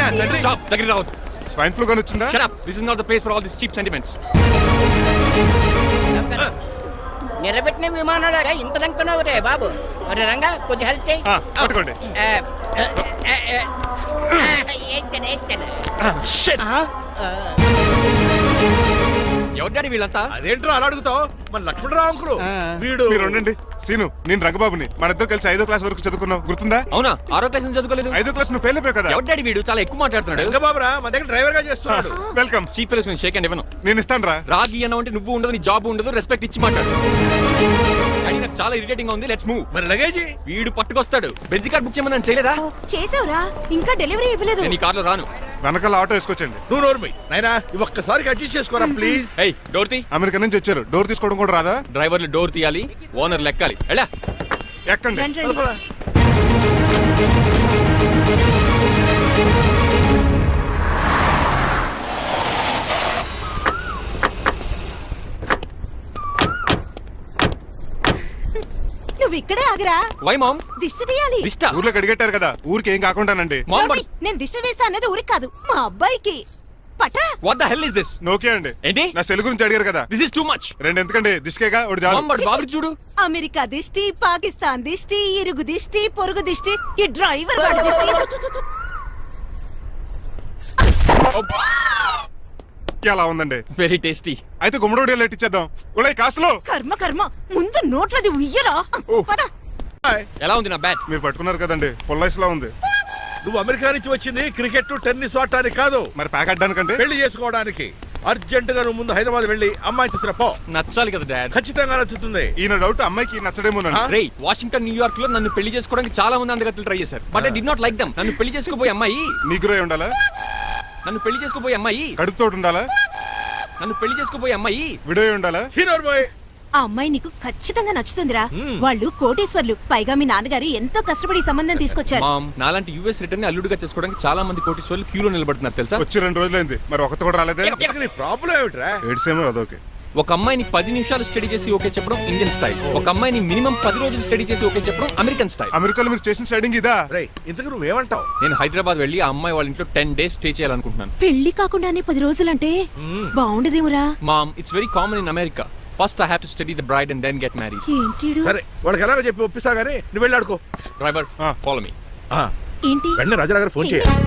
Stop. Take it out. Swine flu గాని వచ్చిందా? Shut up. This is not the place for all these cheap sentiments. నిలబెట్టిన విమానాలు ఇంత లంకున్నావు రే బాబు. మరి రంగా కొంచెం హెల్ప్ చేయి. పట్టుకోండి. ఎవరి డాడీ వీళ్ళంతా? అదేంట్రా అలా అడుగుతావు? మన లక్ష్మణరావు అంకులు వీడు. మీరు ఉండండి. సీను, నేను రంగబాబుని. మన ఇద్దరు కలిసి 5వ క్లాస్ వరకు చదువుకున్నాం, గుర్తుందా? అవునా? 6వ క్లాస్ నుంచి చదువుకోలేదు. 5వ క్లాస్ నువ్వు ఫెయిల్ అయిపోయావు కదా. ఎవరి డాడీ వీడు? చాలా ఎక్కువ మాట్లాడుతున్నాడు. రంగబాబురా మన దగ్గర డ్రైవర్ గా చేస్తున్నాడు. వెల్కమ్. చీప్ ఫెలోస్ నేను షేక్ హ్యాండ్ ఇవ్వను. నేను ఇస్తాను రా. రాగి అన్న అంటే నువ్వు ఉండదు, నీ జాబ్ ఉండదు, రెస్పెక్ట్ ఇచ్చి మాట్లాడు. డాడీ నాకు చాలా ఇరిటేటింగ్ గా ఉంది. Let's move. మరి లగేజీ వీడు పట్టుకొస్తాడు. బెంజ్ కార్ బుక్ చేయమని చేయలేదా? చేసావురా, ఇంకా డెలివరీ ఇవ్వలేదు. నేను ఈ కార్లో రాను. వెనకాల ఆటో వేసుకొచ్చండి. నువ్వు నోర్మి నాయనా, ఒక్కసారి అడ్జస్ట్ చేసుకోరా ప్లీజ్. ఏయ్, డోర్ తీ. అమెరికా నుంచి వచ్చారు, డోర్ తీసుకోవడం కూడా రాదా? డ్రైవర్లు డోర్ తీయాలి, ఓనర్ లెక్కాలి. ఎలా ఎక్కండి. రండి, రండి. నువ్వు ఇక్కడే ఆగరా. Why mom? దిష్టి తీయాలి. దిష్ట? ఊర్లో కడిగట్టారు కదా, ఊరికి ఏం కాకుండానండి. మామ్ నోర్మి, నేను దిష్టి తీస్తా అనేది ఊరికి కాదు, మా అబ్బాయికి. పట్రా. What the hell is this? నోకే అండి. ఏంటి? నా సెల్ గురించి అడిగారు కదా. This is too much. రెండు ఎందుకండి, దిష్కేగా ఒకటి చాలు. మామ్ బాబు చూడు. అమెరికా దిష్టి, పాకిస్తాన్ దిష్టి, ఇరుగు దిష్టి, పొరుగు దిష్టి, ఈ డ్రైవర్ వాడి దిష్టి. ఎలా ఉందండి? Very tasty. అయితే గుమ్మడి లెట్ ఇచ్చేద్దాం. ఉలై కాసులో. కర్మ కర్మ, ముందు నోట్లది ఉయ్యరా. పద. ఎలా ఉంది నా బ్యాట్? మీరు పట్టుకున్నారు కదండి, పొల్లైస్ లా ఉంది. నువ్వు అమెరికా నుంచి వచ్చింది క్రికెట్ టెన్నిస్ ఆడటానికి కాదు, మరి ప్యాక్ అడ్డానికంటే. పెళ్లి చేసుకోవడానికి. అర్జెంట్ గా నువ్వు ముందు హైదరాబాద్ వెళ్ళి అమ్మాయి చూసిన పో. నచ్చాలి కదా డాడ్. ఖచ్చితంగా నచ్చుతుంది. ఈయన డౌట్ అమ్మాయికి నచ్చడేమోనండి. రే, వాషింగ్టన్ న్యూయార్క్ లో నన్ను పెళ్లి చేసుకోవడానికి చాలా మంది అందగత్తలు ట్రై చేశారు. But I did not like them. నన్ను పెళ్లి చేసుకోబోయే అమ్మాయి నీగురై ఉండాలా? నన్ను పెళ్లి చేసుకోబోయే అమ్మాయి కడుపుతోటి ఉండాలా? నన్ను పెళ్లి చేసుకోబోయే అమ్మాయి విడోయ్ ఉండాలా? Hero boy. ఆ అమ్మాయి నీకు ఖచ్చితంగా నచ్చుతుందిరా. వాళ్ళు కోటేశ్వర్లు, పైగా మీ నాన్నగారు ఎంతో కష్టపడి ఈ సంబంధం తీసుకొచ్చారు. మామ్, నాలాంటి యూఎస్ రిటర్న్ అల్లుడిగా చేసుకోవడానికి చాలా మంది కోటీశ్వర్లు క్యూలో నిలబడుతున్నారు తెలుసా? వచ్చి 2 రోజులైంది, మరి ఒకటి కూడా రాలేదే. నీ ప్రాబ్లం ఏమిట్రా? ఏడ్సేమో అదొకే. ఒక అమ్మాయిని 10 నిమిషాలు స్టడీ చేసి ఓకే చెప్పడం ఇండియన్ స్టైల్. ఒక అమ్మాయిని మినిమం 10 రోజులు స్టడీ చేసి ఓకే చెప్పడం అమెరికన్ స్టైల్. అమెరికాలో మీరు చేసిన స్టైడింగ్ ఇదా? రేయ్, ఇంతకు నువ్వేమంటావు? నేను హైదరాబాద్ వెళ్ళి ఆ అమ్మాయి వాళ్ళ ఇంట్లో 10 days స్టే చేయాలనుకుంటున్నాను. పెళ్లి కాకుండానే 10 రోజులంటే బాగుండదేమురా. Mom, it's very common in America. First I have to study the bride and then get married. ఏంటిడు? సరే, వాళ్ళకి ఎలాగో చెప్పి ఒప్పిస్తా గానీ నువ్వు వెళ్ళి ఆడుకో. Driver, follow me. ఏంటి? వెంటనే రాజా గారు ఫోన్ చేయాలి.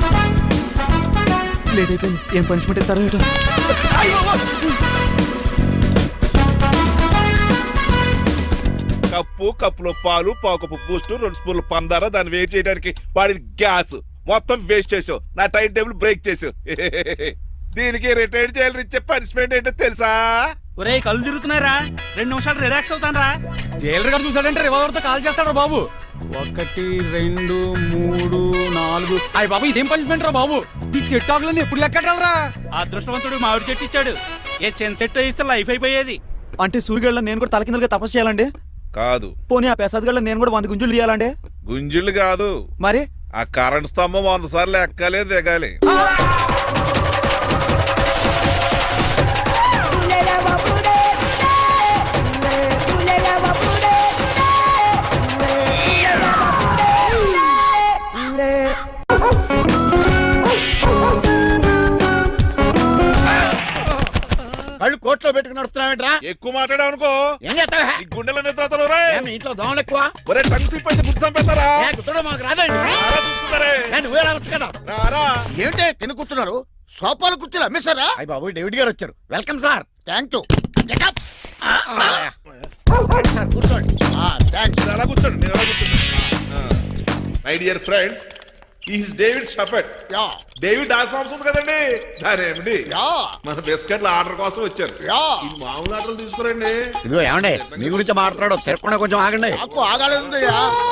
లేట్ అయిపోయింది. ఏం పనిష్మెంట్ ఇస్తారో ఏటో. కప్పులో పాలు, పావుకప్పు బూస్ట్, 2 స్పూన్లు పందార, దాన్ని వెయిట్ చేయడానికి వాడిన గ్యాస్ మొత్తం వేస్ట్ చేసావు. నా టైం టేబుల్ బ్రేక్ చేసావు. దీనికి రిటైర్ చేయాలని ఇచ్చే పనిష్మెంట్ ఏంటో తెలుసా? ఒరే, కళ్ళు తిరుగుతున్నారా? 2 నిమిషాలు రిలాక్స్ అవుతాను రా. జైలర్ గారు చూసాడంటే రివాల్వర్ తో కాల్ చేస్తాడు బాబు. 1 2 3 4. అయ్య బాబు, ఇదేం పనిష్మెంట్ రా బాబు? ఈ చెట్టు ఆకులన్నీ ఎప్పుడు లెక్కడరా? అదృష్టవంతుడు మామిడి చెట్టు ఇచ్చాడు. ఏ చిన్న చెట్టు ఇస్తే లైఫ్ అయిపోయేది. అంటే సూర్యుగళ్ళ నేను కూడా తలకిందలుగా తపస్సు చేయాలండి? కాదు. పోనీ ఆ పెసాద్ నేను కూడా 100 గుంజులు తీయాలండి? గుంజులు కాదు, మరి ఆ కరెంట్ స్తంభం 100 సార్లు ఎక్కాలి, దిగాలి. కళ్ళు కోట్లో పెట్టుకుని నడుస్తున్నావేంట్రా? ఎక్కువ మాట్లాడావు అనుకో ఏం చేస్తావా? ఈ గుండెల నిద్రతలు మీ ఇంట్లో దోమలు ఎక్కువ? ఒరే, టంగ్ స్లిప్ అయితే గుర్తు చంపేస్తారా? గుర్తుడు మాకు రాదండి. చూసుకుంటారే. నువ్వే రావచ్చు కదా. రారా. ఏంటి తిని కూర్చున్నారు? సోఫాలు కూర్చోలు అమ్మేశారా? అయ్య బాబు, డేవిడ్ గారు వచ్చారు. Welcome sir. Thank you. Sir కూర్చోండి. థ్యాంక్స్. అలా కూర్చోండి, నేను అలా కూర్చోండి. My dear friends, is David Shaffet. David dock farms ఉంది కదండి, దానేమిటి మన బిస్కెట్ల ఆర్డర్ కోసం వచ్చారు. ఈ మామూలు ఆర్డర్లు తీసుకురండి. ఇదిగో ఏమండి, మీ గురించి మాట్లాడు. తిరగకుండా కొంచెం ఆగండి. ఆకు ఆగాలి.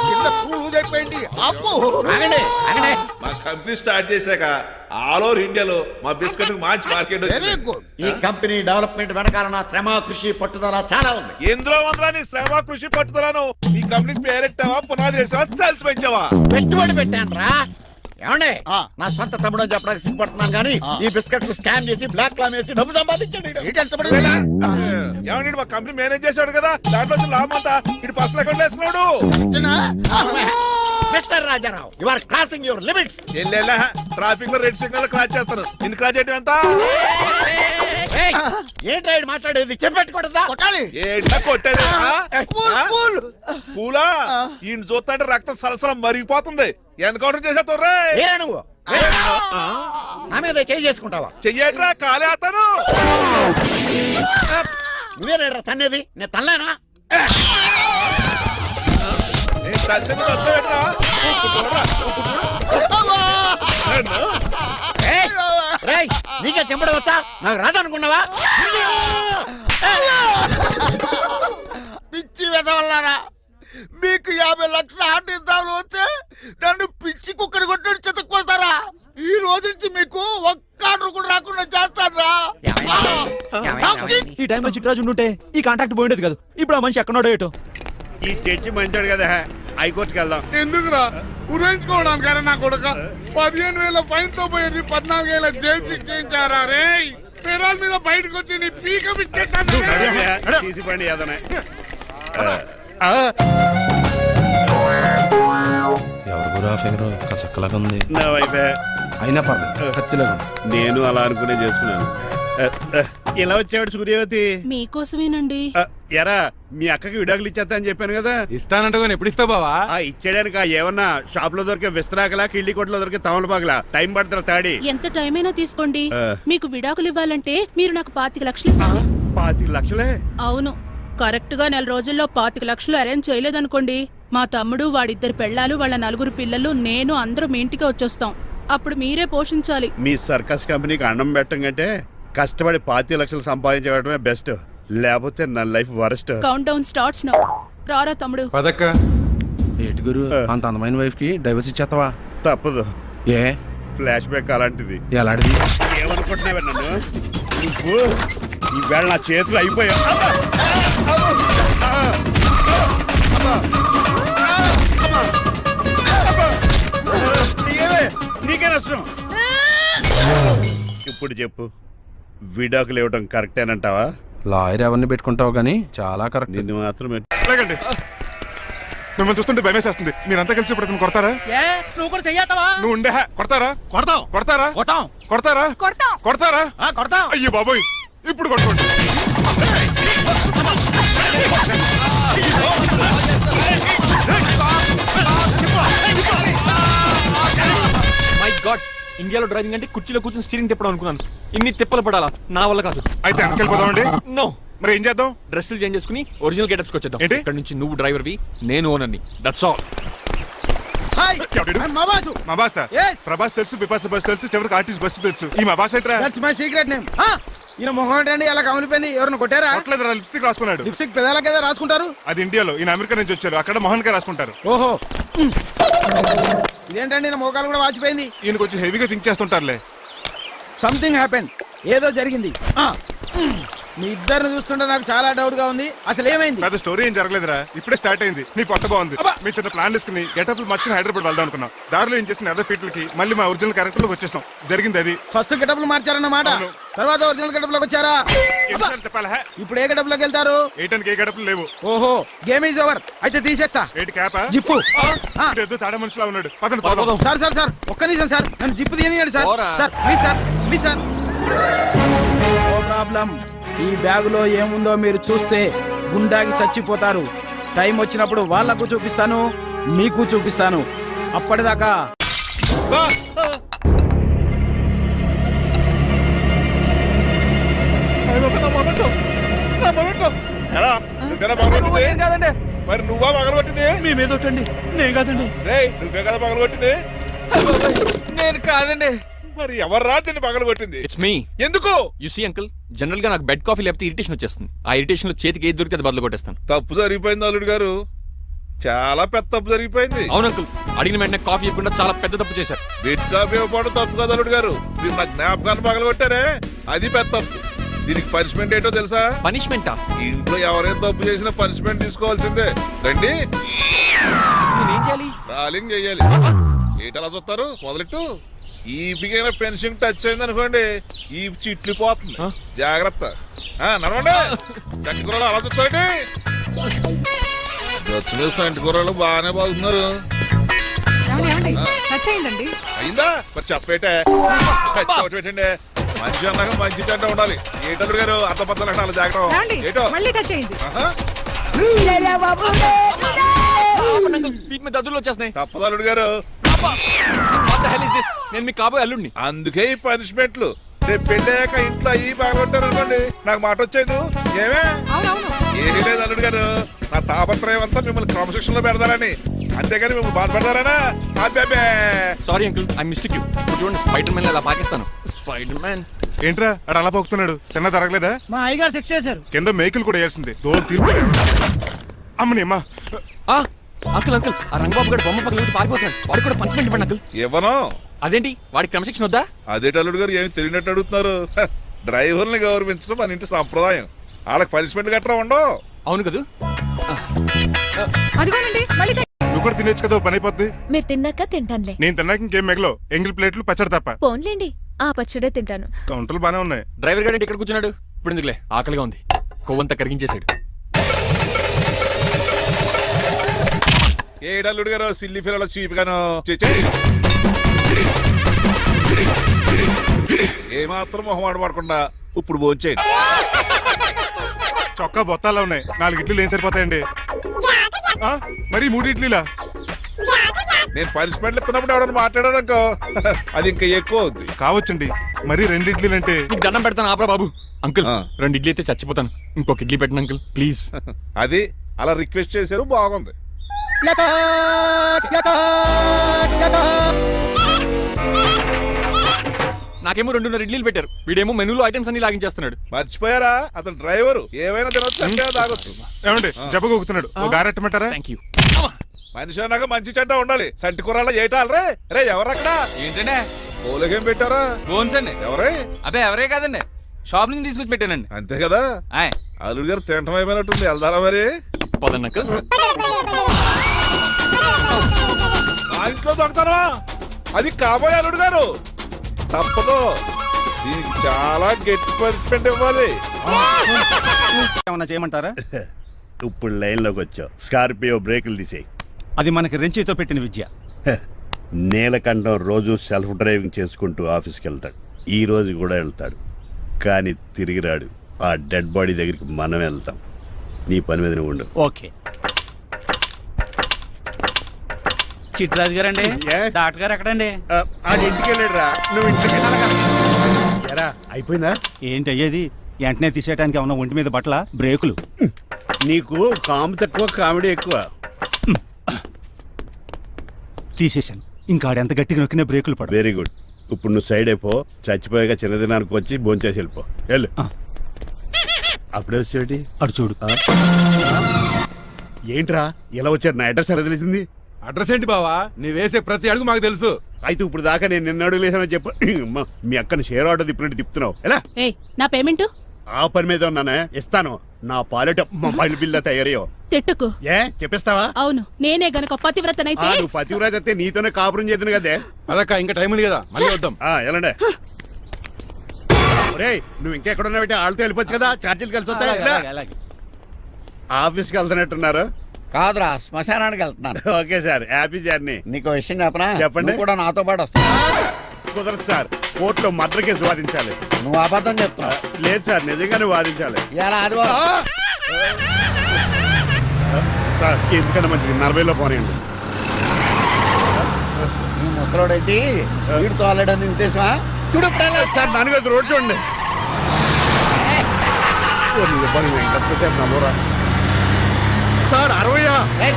ఆగండి ఆగండి. మా కంపెనీ స్టార్ట్ చేశాక ఆల్ ఓవర్ ఇండియాలో మా బిస్కెట్ మంచి మార్కెట్ వెరీ గుడ్. ఈ కంపెనీ డెవలప్మెంట్ వెనకాల నా శ్రమ, కృషి, పట్టుదల చాలా ఉంది. ఎందులో ఉందా నీ శ్రమ, కృషి, పట్టుదలను? ఈ కంపెనీకి పేరెట్టావా, పునాది వేసావా, సేల్స్ పెంచావా? పెట్టుబడి పెట్టాను రా. ఏమండి, నా సొంత తమ్ముడు అని చెప్పడానికి సిగ్గుపడుతున్నాను కానీ ఈ బిస్కెట్ స్కామ్ చేసి బ్లాక్ క్లామ్ వేసి డబ్బు సంపాదించండి. ఏమండి, మా కంపెనీ మేనేజ్ చేశాడు కదా, దాంట్లో లాభం అంతా ఇటు పర్సనల్ అకౌంట్ వేసుకున్నాడు. Mister Rajarao you are crossing your limits. ఎల్లెల్లా ట్రాఫిక్ లో రెడ్ సిగ్నల్ క్రాస్ చేస్తాను నిన్ను క్రాస్ చేయడం ఎంత ఏంట్రా ఈడు మాట్లాడేది చెప్పెట్టుకూడదా? కొట్టాలి. ఏంటా కొట్టేది కూల్, కూల్. పూలా ఈయన చూస్తుంటే రక్తం సలసలం మరిగిపోతుంది ఎన్కౌంటర్ చేసేస్తావు ఏరా నువ్వు నా మీద చేయి చేసుకుంటావా? చెయ్యట్రా కాలేస్తాను నువ్వేరా తన్నేది? నేను తనలేనా? రేయ్, నీకే చెంపడం వచ్చా? నాకు రాదనుకున్నావా? పిచ్చి వెదవల్లారా, మీకు 50 లక్షల ఆట ఇద్దామని వస్తే నన్ను పిచ్చి కుక్కని కొట్టి చెతుక్కోతారా? ఈ రోజు నుంచి మీకు ఒక్క ఆర్డర్ కూడా రాకుండా చేస్తారా? ఈ టైంలో చిట్రాజు ఉంటే ఈ కాంట్రాక్ట్ పోయిండేది కదా. ఇప్పుడు ఆ మనిషి ఎక్కడో ఏటో. ఈ చర్చి మంచాడు కదా, హైకోర్టుకి వెళ్దాం. ఎందుకురా ఉరేంచుకోవడానికి నా కొడుక 15,000 ఫైన్ తో పోయేది 14,000 జైలు శిక్ష చేయించారా రే? పెరాల మీద బయటకు వచ్చి నీ పీక బిచ్చేస్తాను. తీసిపండి ఏదైనా. ఎవరు గురా ఫిగర్ చక్కలాగా ఉంది. నా వైపే. అయినా పర్లేదు కత్తిలాగా నేను అలా అనుకునే చేస్తున్నాను. ఇలా వచ్చాడు సూర్యవతి. మీకోసమేనండి. ఎరా మీ అక్కకి విడాకులు ఇచ్చేస్తా అని చెప్పాను కదా. ఇస్తానంటే ఎప్పుడు ఇస్తావు బావా? ఇచ్చేయడానికి ఏమన్నా షాప్ లో దొరికే విస్తరాకలా, కిళ్ళి కొట్లో దొరికే తమలపాకలా టైం పడుతున్నా తాడి. ఎంత టైం అయినా తీసుకోండి. ఆ. మీకు విడాకులు ఇవ్వాలంటే మీరు నాకు 25 లక్షలు ఇవ్వాలి. 25 లక్షలే? అవును, కరెక్ట్ గా 4 రోజుల్లో 25 లక్షలు అరేంజ్ చేయలేదనుకోండి, మా తమ్ముడు, వాడిద్దరు పెళ్ళాలు, వాళ్ళ 4 పిల్లలు, నేను అందరూ మీ ఇంటికి వచ్చేస్తాం. అప్పుడు మీరే పోషించాలి. మీ సర్కస్ కంపెనీకి అన్నం పెట్టం కంటే కష్టపడి 25 లక్షలు సంపాదించడమే బెస్ట్. లేకపోతే నా life worst. Count down starts now. రారా తమ్ముడు. పదక్క. ఏటి గురు అంత అందమైన వైఫ్ కి డైవర్స్ ఇచ్చేస్తావా? తప్పదు, ఏ ఫ్లాష్ బ్యాక్ అలాంటిది. ఎలాంటిది? ఏమనుకుంటున్నావే నన్ను? నువ్వు ఈవేళ నా చేతులు అయిపోయా. నీకే నష్టం. ఇప్పుడు చెప్పు, విడాకులు ఇవ్వడం కరెక్టేనంటావా? లాయర్ ఎవరిని పెట్టుకుంటావు గానీ చాలా కరెక్ట్. నిన్ను మాత్రమే. లేకండి, మిమ్మల్ని చూస్తుంటే భయమేసేస్తుంది. మీరంతా కలిసి ఇప్పుడు అతను కొడతారా? నువ్వు కూడా చెయ్యతావా? నువ్వు ఉండే కొడతారా? కొడతాం. కొడతారా? కొట్టాం. కొడతారా? కొడతారా? కొడతాం. అయ్యో బాబోయ్, ఇప్పుడు కొట్టుకోండి. మై గాడ్, ఇండియాలో డ్రైవింగ్ అంటే కుర్చీలో కూర్చొని స్టీరింగ్ తిప్పడం అనుకున్నాను. ఇన్ని తిప్పలు పడాలా? నా వల్ల కాదు. అయితే వెనకెళ్ళిపోదామండి. నో, మరి ఏం చేద్దాం? డ్రెస్సులు చేంజ్ చేసుకుని ఒరిజినల్ గెటప్స్ వచ్చేద్దాం. ఏంటి? ఇక్కడ నుంచి నువ్వు డ్రైవర్వి, నేను ఓనర్ని. That's all. మా బాస Yes. ప్రభాస్ తెలుసు, బిపాస బస్ తెలుసు, చివరికి ఆర్టిస్ట్ బస్సు తెలుసు. ఈ మా బాస్ ఏంట్రా? That's my secret name. ఈయన మొహం ఏంటండి ఎలా కమిలిపోయింది? ఎవరిని కొట్టారా? కొట్టలేదురా, లిప్స్టిక్ రాసుకున్నాడు. లిప్స్టిక్ పెదాలకి ఏదో రాసుకుంటారు. అది ఇండియాలో, ఈయన అమెరికా నుంచి వచ్చారు. అక్కడ మోహన్ గారు రాసుకుంటారు. ఓహో, ఇదేంటండి నా మోకాలు కూడా వాచిపోయింది. ఈయన కొంచెం హెవీగా థింక్ చేస్తుంటారులే. సంథింగ్ హ్యాపెన్, ఏదో జరిగింది. మీ ఇద్దరిని చూస్తుంటే నాకు చాలా డౌట్ గా ఉంది. అసలు ఏమైంది? పెద్ద స్టోరీ ఏం జరగలేదురా, ఇప్పుడే స్టార్ట్ అయింది. నీ కొత్త బాగుంది. అబ్బా. మీ చిన్న ప్లాన్ తీసుకుని గెటప్లు మార్చుకుని హైదరాబాద్ వెళ్దాం అనుకున్నాం. దారిలో ఏం చేసిన అదర్ ఫీట్లకి మళ్ళీ మా ఒరిజినల్ క్యారెక్టర్ లోకి వచ్చేసాం. జరిగింది అది. ఫస్ట్ గెటప్లు మార్చారన్నమాట. అవును. తర్వాత ఒరిజినల్ గెటప్ లోకి వచ్చారా? అబ్బా. చెప్పాలా? ఇప్పుడు ఏ గెటప్ లోకి వెళ్తారు? ఏటానికి ఏ గెటప్లు లేవు. ఓహో, గేమ్ ఈజ్ ఓవర్. అయితే తీసేస్తా. ఏటి క్యాపా? జిప్పు. ఎద్దు తాడ మనిషిలా ఉన్నాడు. పదండి పోదాం. సార్ సార్ సార్, ఒక్క నిమిషం సార్, నన్ను జిప్పు తీయనియండి సార్. పోరా. Sir please sir, please sir. No problem. ఈ బ్యాగులో ఏముందో మీరు చూస్తే గుండాకి చచ్చిపోతారు. టైం వచ్చినప్పుడు వాళ్ళకు చూపిస్తాను, మీకు చూపిస్తాను. అప్పటిదాకా ఎరా, నువ్వేనా పగలగొట్టింది? కాదండి, మరి నువ్వా పగలగొట్టింది? మీ మీద ఒట్టండి, నేను కాదండి. రేయ్, నువ్వే కదా పగలగొట్టింది? నేను కాదండి. మరి ఎవర్రా దీన్ని పగలగొట్టింది? It's me. ఎందుకు? యు సీ అంకుల్, జనరల్ గా నాకు బెడ్ కాఫీ లేకపోతే ఇరిటేషన్ వచ్చేస్తుంది. ఆ ఇరిటేషన్ లో చేతికి ఏది దొరికితే అది బదులు కొట్టేస్తాను. తప్పు జరిగిపోయింది అల్లుడు గారు, చాలా పెద్ద తప్పు జరిగిపోయింది. అవును అంకుల్, అడిగిన వెంటనే కాఫీ ఇవ్వకుండా చాలా పెద్ద తప్పు చేశారు. బిడ్ కాపీ ఇవ్వకపోవడం తప్పు కదా అల్లుడు గారు, మీరు నా జ్ఞాపకాన్ని పగలగొట్టారే అది పెద్ద తప్పు. దీనికి పనిష్మెంట్ ఏంటో తెలుసా? పనిష్మెంటా? ఇంట్లో ఎవరైనా తప్పు చేసినా పనిష్మెంట్ తీసుకోవాల్సిందే. రండి, నేనేం చేయాలి? రాలింగ్ చెయ్యాలి. ఏంటలా చూస్తారు? మొదలెట్టు. ఈ బిగైన పెన్షన్ టచ్ అయింది అనుకోండి, ఈ చిట్లు పోతుంది. జాగ్రత్త. నడవండి. సంటి కూరలు అలా చూస్తారండి. సంటి కూరలు బాగానే బాగుతున్నారు. టచ్ అయిందండి. అయిందా మరి చెప్పేటే ఒకటి పెట్టండి మంచి అన్నాక మంచి తింటా ఉండాలి ఏటల్లుడు గారు అర్థపత్రాలు అలా జాగ్రత్త ఏటో మళ్ళీ టచ్ అయింది. ఆహా, వీటి మీద దద్దులు వచ్చేస్తున్నాయి. తప్పదల్లుడు గారు What the hell is this? నేను మీ కాబోయే అల్లుడిని. అందుకే ఈ పనిష్మెంట్లు రేపు పెళ్ళాక ఇంట్లో అయ్యి బాగుంటారు అనుకోండి నాకు మాట వచ్చేది ఏమే ఏమీ లేదు అల్లుడు గారు నా తాపత్రయం అంతా మిమ్మల్ని క్రమశిక్షణలో పెడతారని అంతేగాని మిమ్మల్ని బాధపడతారనా అబ్బే sorry uncle I mistake you. చూడండి స్పైడర్ మ్యాన్ అలా పాకిస్తాను. స్పైడర్ మ్యాన్ ఏంట్రా అడు అలా పోతున్నాడు తిన్న తరగలేదా? మా అయ్యగారు శిక్ష చేశారు. కింద మేకులు కూడా వేయాల్సిందే దోలు తీర్పు అమ్మని అమ్మా. అంకుల్ అంకుల్ ఆ రంగబాబు గారు బొమ్మ పక్కన పారిపోతున్నాడు. వాడికి కూడా పనిష్మెంట్ ఇవ్వండి అంకుల్. ఇవ్వను అదేంటి వాడికి క్రమశిక్షణ వద్దా? అదే అల్లుడు గారు ఏమి తెలియనట్టు అడుగుతున్నారు డ్రైవర్ని గౌరవించడం మన ఇంటి సంప్రదాయం వాళ్ళకి పనిష్మెంట్ గట్రా ఉండవు. అవును కదా. అదిగోనండి మళ్ళీ నువ్వు కూడా తినేచ్చు కదా ఓ పని అయిపోద్ది. మీరు తిన్నాక తింటానులే. నేను తిన్నాక ఇంకేం మిగలో ఎంగిల్ ప్లేట్లు పచ్చడి తప్ప. పోన్లేండి, ఆ పచ్చడే తింటాను. కౌంటర్లు బానే ఉన్నాయి. డ్రైవర్ గారు ఇక్కడ కూర్చున్నాడు. ఇప్పుడు ఎందుకులే ఆకలిగా ఉంది. కొవ్వంతా కరిగించేశాడు. ఏడల్లుడు గారు సిల్లి ఫిల్లలో చీపిగాను ఏమాత్రం మొహమాట పడకుండా ఇప్పుడు భోంచేయండి. చొక్కా బొత్తాల్లో ఉన్నాయి 4 ఇడ్లీలు ఏం సరిపోతాయండి? మరి 3 ఇడ్లీలా? నేను పనిష్మెంట్లు ఇస్తున్నప్పుడు ఎవడన్నా మాట్లాడాడనుకో అది ఇంకా ఎక్కువ అవుద్ది. కావచ్చండి మరి 2 ఇడ్లీలు అంటే. నీకు దండం పెడతాను ఆపరా బాబు. అంకుల్ 2 ఇడ్లీ అయితే చచ్చిపోతాను. ఇంకొక ఇడ్లీ పెట్టండి అంకుల్ ప్లీజ్. అది అలా రిక్వెస్ట్ చేశారు బాగుంది. నాకేమో 2.5 ఇడ్లీలు పెట్టారు. వీడేమో మెనూలో ఐటమ్స్ అన్ని లాగించేస్తున్నాడు. మర్చిపోయారా అతను డ్రైవరు ఏమైనా తినొచ్చు అంటే తాగొచ్చు. ఏమండి జబ్బగొక్కుతున్నాడు ఓ గారెట్టమంటారా? Thank you. మనిషి అన్నాక మంచి చెడ్డ ఉండాలి. సంటి కూరల్లో ఏటాలరే రే ఎవరక్కడ ఏంటంటే పోలేకేం పెట్టారా? బోన్స్ అండి. ఎవరే? అబ్బే ఎవరే కాదండి, షాప్ నుంచి తీసుకొచ్చి పెట్టానండి. అంతే కదా. ఆయ్ అల్లుడు గారు తింటం అయిపోయినట్టుంది వెళ్దారా మరి? పదండి అంకుల్. ఆ ఇంట్లో దొంగతనమా? అది కాబోయే అల్లుడు గారు తప్పదు. దీనికి చాలా గట్టి పనిష్మెంట్ ఇవ్వాలి. ఏమన్నా చేయమంటారా? ఇప్పుడు లైన్లోకి వచ్చావు. స్కార్పియో బ్రేకులు తీసేయి. అది మనకి రెంచితో పెట్టిన విద్య. నీలకంఠం రోజు సెల్ఫ్ డ్రైవింగ్ చేసుకుంటూ ఆఫీస్కి వెళ్తాడు. ఈ రోజు కూడా వెళ్తాడు కానీ తిరిగి రాడు. ఆ డెడ్ బాడీ దగ్గరికి మనం వెళ్తాం. నీ పని మీద నువ్వు ఉండు. ఓకే. చిట్రాజు గారండి, డాక్టర్ గారు ఎక్కడండి? అది ఇంటికి వెళ్ళాడు రా. నువ్వు ఇంటికి ఎరా అయిపోయిందా? ఏంటి అయ్యేది? వెంటనే తీసేయడానికి ఏమన్నా ఒంటి మీద బట్టల బ్రేకులు? నీకు కాము తక్కువ కామెడీ ఎక్కువ. తీసేశాను. ఇంకా ఆడెంత గట్టిగా నొక్కినా బ్రేకులు పడ. Very good. ఇప్పుడు నువ్వు సైడ్ అయిపో. చచ్చిపోయాక చిన్నదినానికి వచ్చి భోంచేసి వెళ్ళిపో. వెళ్ళు. అప్పుడే వచ్చేటి అటు చూడు. ఏంట్రా ఇలా వచ్చారు? నా అడ్రస్ ఎలా తెలిసింది? అడ్రస్ ఏంటి బావా? నీ వేసే ప్రతి అడుగు మాకు తెలుసు. అయితే ఇప్పుడు దాకా నేను నిన్న అడుగులేసానని చెప్పు. అమ్మా, మీ అక్కని షేర్ ఆర్డర్ తిప్పినట్టు తిప్పుతున్నావు ఎలా? ఏయ్ నా పేమెంట్ ఆ పని మీద ఉన్నానే, ఇస్తాను. నా పాలెట మొబైల్ బిల్లా తయారయ్యో. తిట్టుకు. ఏ చెప్పిస్తావా? అవును నేనే గనక పతివ్రతనైతే. నువ్వు పతివ్రాజ్ అయితే నీతోనే కాపురం చేతును కదే. అదక్క ఇంకా టైం ఉంది కదా, మళ్ళీ వద్దాం. ఎలాండే ఒరేయ్, నువ్వు ఇంకెక్కడున్నా పెట్టి వాళ్ళతో వెళ్ళిపోవచ్చు కదా. ఛార్జీలు కలిసి వస్తాయి. ఆఫీస్కి వెళ్తున్నట్టున్నారు. కాదురా, శ్మశానానికి వెళ్తున్నాను. Okay sir, happy journey. నీకు విషయం చెప్పనా? చెప్పండి. నువ్వు కూడా నాతో పాటు వస్తావు. కుదరదు సార్, కోర్టులో మర్డర్ కేసు వాదించాలి. నువ్వు అబద్ధం చెప్తున్నావు. లేదు సార్, నిజంగానే వాదించాలి. ఇలా ఆదివారం సార్ ఎందుకన్నా మంచిది 40లో పోనీయండి. నువ్వు ముసలోడేంటి స్పీడ్ తోలడని ఉద్దేశమా? చూడు సార్ నాన్నగారు రోడ్ చూడండి. ఎంతసేపు నమ్మరా సార్? 60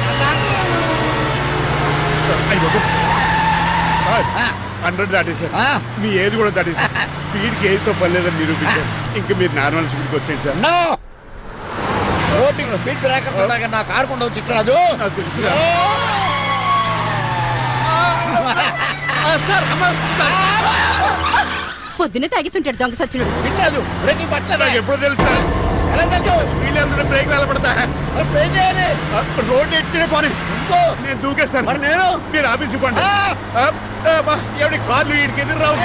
100 దాటేశారు. మీ ఏజ్ కూడా దాటేశారు. స్పీడ్కి ఏజ్తో పని లేదని నిరూపించారు. ఇంకా మీరు నార్మల్ స్పీడ్కి వచ్చేది సార్. రోడ్డుకి స్పీడ్ బ్రేకర్స్ ఉండగా నా కారు కొండ చిట్టరాజు. నాకు తెలుసు పొద్దునే తాగిస్తుంటాడు దొంగ సచ్చినుడు. చిట్టరాజు బ్రేకులు పట్టలేదు. నాకు ఎప్పుడు తెలుసు సార్. ఎలా తెలుసు? స్పీడ్ వెళ్తుంటే బ్రేక్లు నిలబడతా. ఏం చేయాలి? రోడ్డు ఎచ్చిన పోనీ నేను దూకేస్తాను. మరి నేను? మీరు ఆఫీస్ ఇవ్వండి. ఎవరి కార్లు వీడికి ఎదురు రావు.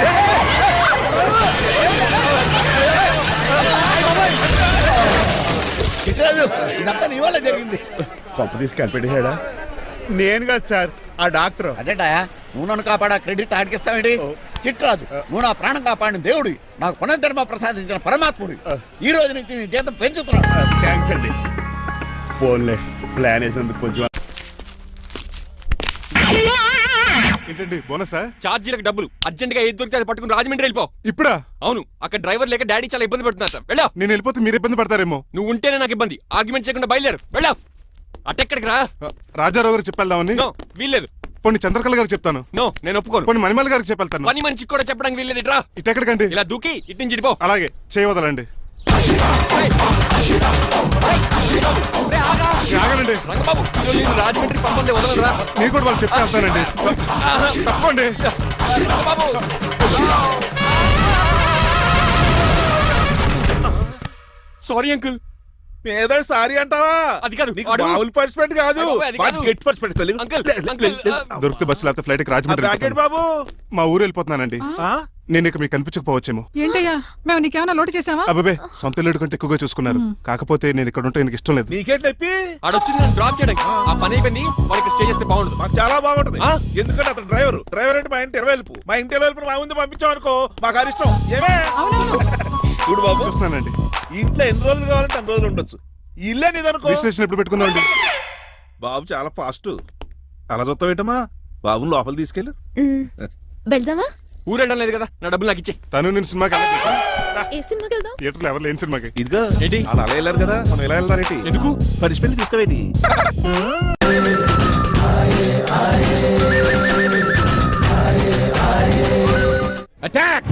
చిట్టరాజు ఇదంతా నీ వల్ల జరిగింది. తప్పు తీసి కనిపెట్టేశాడా? నేను కాదు సార్, ఆ డాక్టర్. అదేటా నువ్వు నన్ను కాపాడా క్రెడిట్ ఆడికిస్తావేంటి? చిట్రాజు, నువ్వు నా ప్రాణం కాపాడిన దేవుడి, నాకు పునర్ధర్మ ప్రసాదించిన పరమాత్ముడి. ఈ రోజు నుంచి నీ జీతం పెంచుతున్నాను. థ్యాంక్స్ అండి. ఫోన్లే, ప్లాన్ వేసినందుకు కొంచెం. ఏంటండి బోనసా? ఛార్జీలకు డబ్బులు అర్జెంట్ గా ఏది దొరికితే అది పట్టుకుని రాజమండ్రి వెళ్ళిపో. ఇప్పుడా? అవును, అక్కడ డ్రైవర్ లేక డాడీ చాలా ఇబ్బంది పడుతున్నారు సార్. వెళ్ళావు. నేను వెళ్ళిపోతే మీరు ఇబ్బంది పడతారేమో. నువ్వు ఉంటేనే నాకు ఇబ్బంది. ఆర్గ్యుమెంట్ చేయకుండా బయలుదేరు. వెళ్ళావు. అటెక్కడికి రా. రాజారావు గారు చెప్పేద్దామని. నో, వీల్లేదు. పోనీ చంద్రకళ గారికి చెప్తాను. నో, నేను ఒప్పుకోను. పోనీ మణిమల్ గారికి చెప్పేళ్తాను. పని మనిషికి కూడా చెప్పడానికి వీల్లేదు. ఇట్రా. ఇటెక్కడికండి? ఇలా దూకి ఇటు నుంచి ఇటుపో. అలాగే చేయవదలండి. ఆగనండి రంగబాబు, ఈరోజు నేను రాజమండ్రి పంపండి, వదలరా. మీరు కూడా వాళ్ళు చెప్తే వెళ్తానండి. తప్పండి. రంగబాబు. Sorry uncle. ఏదో సారీ అంటావా? అది కాదు, నీకు వాడు- మామూలు పనిష్మెంట్ కాదు, అయ్య బాబోయ్, అది కాదు. గట్టి పనిష్మెంట్. అంకుల్, అంకుల్, దొరికితే బస్సు లేకపోతే ఫ్లైట్ కి రాజమండ్రి ప్యాకెట్ వెళ్ళిపోతాను. బాబు. మా ఊరు వెళ్ళిపోతున్నానండి. ఆ? నేను ఇక మీకు కనిపించకపోవచ్చేమో. ఏంటయ్యా, మేము నీకేమైనా లోటు చేసావా? అబ్బాబే, సొంత ఇల్లు కంటే ఎక్కువగా చూసుకున్నారు. కాకపోతే నేను ఇక్కడ ఉంటే నాకు ఇష్టం లేదు. నీకేంటి నొప్పి? ఆడొచ్చింది నన్ను డ్రాప్ చేయడానికి. ఆ పని అయిపోయింది. వాడికి స్టే చేస్తే బాగుండదు. మాకు చాలా బాగుంటది. ఆ? ఎందుకంటే అతను డ్రైవర్ అంటే మా ఇంటి ఇరవైపు, మా ఇంటి ఇరవైపు మా ముందు పంపించాం అనుకో, మాకు అది ఇష్టం. ఏమే చూడు బాబు, చూస్తున్నానండి. ఇంట్లో ఎన్ని రోజులు కావాలంటే అన్ని రోజులు ఉండొచ్చు. ఇల్లే నీదనుకో. రిజిస్ట్రేషన్ ఎప్పుడు పెట్టుకుందామండి? బాబు చాలా ఫాస్ట్. అలా చూస్తావు ఏంటమ్మా? బాబుని లోపల తీసుకెళ్ళు. వెళ్దామా? ఊరు వెళ్ళడం లేదు కదా, నా డబ్బులు నాకు ఇచ్చే. తను నేను సినిమాకి ఏ సినిమాకి వెళ్దాం? థియేటర్లో ఎవరు లేని సినిమాకి. ఇదిగో ఏంటి? అలా అలా వెళ్ళారు కదా, మనం ఎలా వెళ్ళారేంటి? ఎందుకు? పనిష్మెంట్ తీసుకోవేంటి? అటాక్.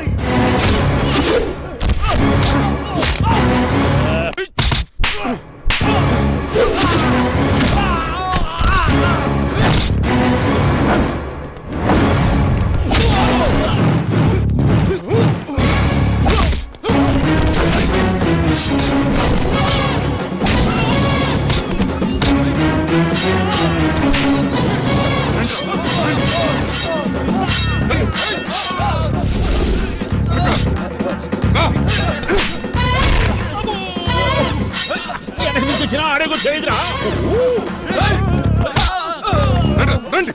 రండి.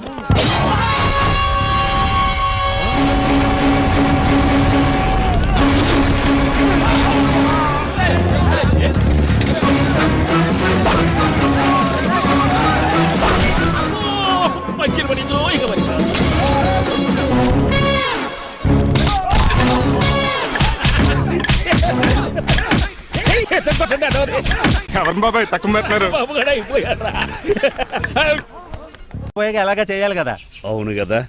ఎవరిని బాబాయ్ తక్కువ పెట్టినారు? ఎలాగా చేయాలి కదా. అవును కదా.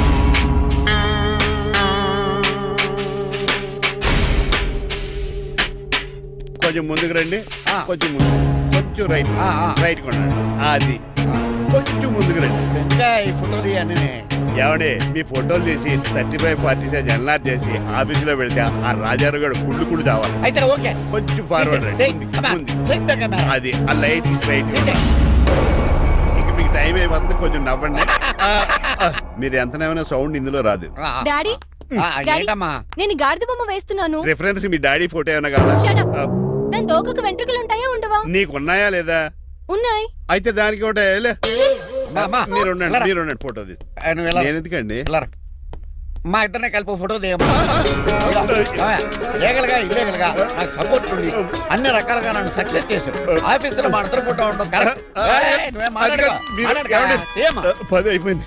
కొంచెం ముందుకు రండి. కొంచెం ముందు, కొంచెం రైట్. రైట్ కొనండి. అది కొంచెం ముందుకు రండి. ఇంకా ఈ ఫోటోలు ఇవన్నీ ఏమండి, మీ ఫోటోలు తీసి 35-40 సైజ్ ఎన్లార్ చేసి ఆఫీసులో పెడితే ఆ రాజారావు గారు కుళ్ళు కావాలి. అయితే ఓకే. కొంచెం ఫార్వర్డ్ రండి. అది ఆ లైట్ స్ట్రైట్. ఇక మీకు టైం అయిపోతుంది, కొంచెం నవ్వండి. మీరు ఎంతనేమైనా సౌండ్ ఇందులో రాదు. డాడీ, ఏంటమ్మా? నేను గాడిద బొమ్మ వేస్తున్నాను. రిఫరెన్స్ మీ డాడీ ఫోటో ఏమైనా కావాలా? దాని దోకకు వెంట్రుకలు ఉంటాయా ఉండవా? నీకున్నాయా లేదా? ఉన్నాయి. అయితే దానికి ఒకటే మీరు ఉండండి ఫోటో తీసి. నువ్వు ఎలా? నేను ఎందుకండి? మా ఇద్దరిని కలిపి ఫోటో దిగమ్మా. లీగల్గా ఇల్లీగల్గా నాకు సపోర్ట్ ఉంది. అన్ని రకాలుగా నన్ను సక్సెస్ చేశారు. ఆఫీసులో మా ఇద్దరు ఫోటో ఉండడం కరెక్ట్. నువ్వేం మాట్లాడుకో. ఏమ్మా 10 అయిపోయింది.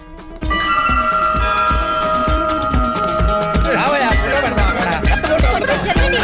రావయ్యా, ఫోటో పెడదాం అక్కడ. ఎంత ఫోటో కొంచెం జరగండి.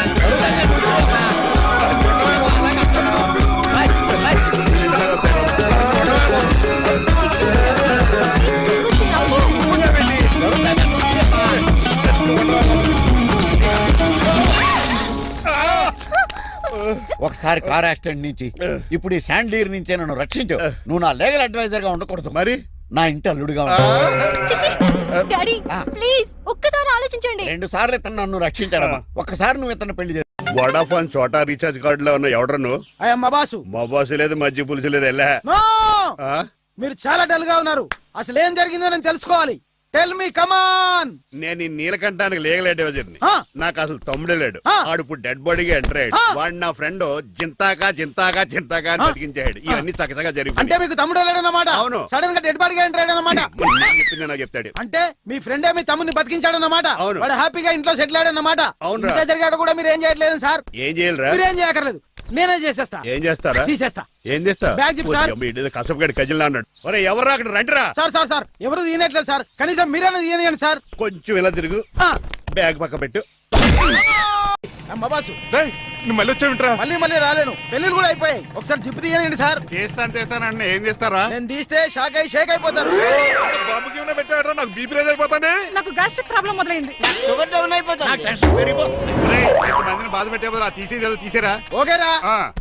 ఒకసారి కార్ యాక్సిడెంట్ నుంచి ఇప్పుడు ఈ శాండ్లీర్ నుంచే నన్ను రక్షించు. నువ్వు నా లీగల్ అడ్వైజర్ గా ఉండకూడదు, మరి నా ఇంటి అల్లుడుగా ఉంటావు. చిచి, డాడీ ప్లీజ్ ఒక్కసారి ఆలోచించండి. 2 సార్లు ఇతను నన్ను రక్షించాడమ్మా. ఒక్కసారి నువ్వు ఇతను పెళ్లి చేసు. వడాఫోన్ చోటా రీఛార్జ్ కార్డులో ఉన్న ఎవడను? మా బాసు. మా బాసు లేదు, మజ్జి పులుసు లేదు. వెళ్ళా. మీరు చాలా డల్ గా ఉన్నారు. అసలు ఏం జరిగిందో నేను తెలుసుకోవాలి. Tell me come on. నేను ఈ నీలకంఠానికి లీగల్ అడ్వైజర్ని. ఆ. నాకు అసలు తమ్ముడే లేడు. ఆ. ఆడు ఇప్పుడు డెడ్ బాడీగా ఎంటర్ అయ్యాడు. ఆ. వాడు నా ఫ్రెండ్ జింతాగా అని బతికించాడు. ఇవన్నీ చక్కగా అంటే జరిగిపోయి మీకు తమ్ముడు వెళ్ళాడన్నమాట. అవును. సడన్ గా డెడ్ బాడీగా ఎంటర్ అయ్యాడన్నమాట. చెప్పింది నాకు చెప్తాడు. అంటే మీ ఫ్రెండే మీ తమ్ముని బతికించాడన్నమాట. అవును. వాడు హ్యాపీగా ఇంట్లో సెటిల్ అయ్యాడన్నమాట. అవునురా. ఇంత జరిగాక కూడా మీరు ఏం చేయట్లేదు సార్. ఏం చేయాలిరా? మీరేం చేయక్కర్లేదు, నేనే చేసేస్తా. ఏం చేస్తారా? తీసేస్తా. ఏం చేస్తా? బ్యాగ్ చెప్పు సార్. కసపగడి కజిల్లా అన్నాడు. ఒరే ఎవరు అక్కడ రండిరా. సార్ సార్ సార్ ఎవరు తీయనట్లేదు సార్, కనీసం మీరైనా తీయనియండి సార్. కొంచెం ఇలా తిరుగు. ఆ. బ్యాగ్ పక్క పెట్టు. అమ్మ బాసు, రేయ్, నువ్వు మళ్ళీ వచ్చావింట్రా? మళ్ళీ రాలేను, పెళ్లిళ్ళు కూడా అయిపోయాయి. ఒకసారి జిప్పు తీయనండి సార్. తీస్తాను ఏం చేస్తారా? నేను తీస్తే షేక్ అయిపోతారు. బాబుకి ఏమైనా పెట్టాడరా? నాకు బీపీ రేజ్ అయిపోతుంది. నాకు గ్యాస్ట్రిక్ ప్రాబ్లం మొదలైంది. నాకు టెన్షన్ పెరిగిపోతుంది. రేయ్, ఇంతమందిని బాధ పెట్టే బదులు ఆ తీసేది తీసేరా. ఓకేరా. ఆ.